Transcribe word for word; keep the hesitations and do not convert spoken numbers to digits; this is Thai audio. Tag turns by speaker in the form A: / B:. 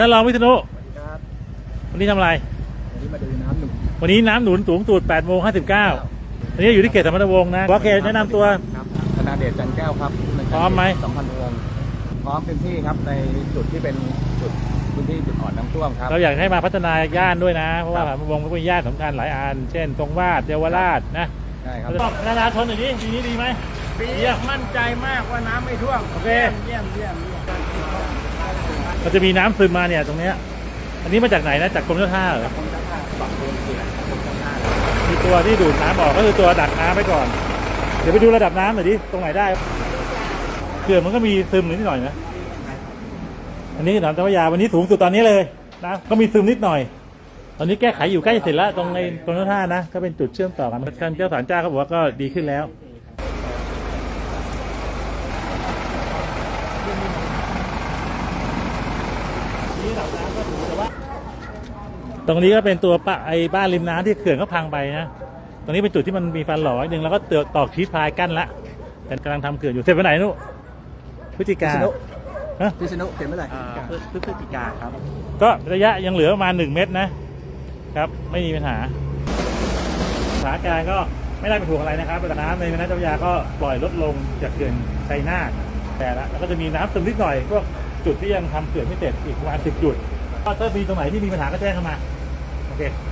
A: ท่านรองวิษณุ
B: ครับ
A: วันนี้ทำอะไร
B: วันนี้มาดูน้ำหนุน
A: วันนี้น้ำหนุนสูงสุดแปดโมงห้าสิบเก้าวันนี้อยู่ที่เขตสมรวงศ์นะวอเขตแนะนำตัว
B: ครับธนาเดชจันแก้วครับ
A: พร้อมไหม
B: สองพันวงพร้อมพื้นที่ครับในจุดที่เป็นจุดพื้นที่จุดอ่อนน้ำท่วมครับ
A: เราอยากให้มาพัฒนาย่านด้วยนะเพราะว่าสมรวงศ์ก็เป็นย่านสำคัญหลายอันเช่นตรงวาดเยาวราชนะ
B: ใช่ครับ
A: พัฒนาชนอย่างนี้ปีนี้ดีไหม
B: ปีมั่นใจมากว่าน้ำไม่ท่วม
A: โอเค
B: เยี่ยมเยี่ยมเยี่ยม
A: มันจะมีน้ำซึมมาเนี่ยตรงเนี้ยอันนี้มาจากไหนนะจากกรมเจ้าท่าเหรอมีตัวที่ดูดน้ำออกก็คือตัวดักน้ำไปก่อนเดี๋ยวไปดูระดับน้ำหน่อยดิตรงไหนได้เขื่อนมันก็มีซึมนิดหน่อยนะอันนี้หนองเจ้าพระยาวันนี้สูงสุดตอนนี้เลยนะก็มีซึมนิดหน่อยตอนนี้แก้ไขอยู่ใกล้จะเสร็จแล้วตรงในกรมเจ้าท่านะก็เป็นจุดเชื่อมต่อกันท่านเจ้าสารเจ้าเขาบอกว่าก็ดีขึ้นแล้วตรงนี้ก็เป็นตัวปะไอ้บ้านริมน้ำที่เขื่อนก็พังไปนะตรงนี้เป็นจุดที่มันมีฟันหล่อหนึ่งแล้วก็ตอกชีสพายกั้นละแต่กำลังทำเขื่อนอยู่เสร็จไปไหนนุพฤศจิกาฮะ
B: พิษณุเขียนเมื่อไหร่
C: พฤศจิกาครับ
A: ก็ระยะยังเหลือประมาณหนึ่งเมตรนะครับไม่มีปัญหาสถานการณ์ก็ไม่ได้เป็นห่วงอะไรนะครับระดับน้ำในแม่น้ำเจ้าพระยาก็ปล่อยลดลงจากเขื่อนชัยนาทแต่ละแล้วก็จะมีน้ำซึมนิดหน่อยพวกจุดที่ยังทำเขื่อนไม่เสร็จอีกประมาณสิบจุดก็ถ้ามีตรงไหนที่มีปัญหาก็แจ้งเข้ามาโอเค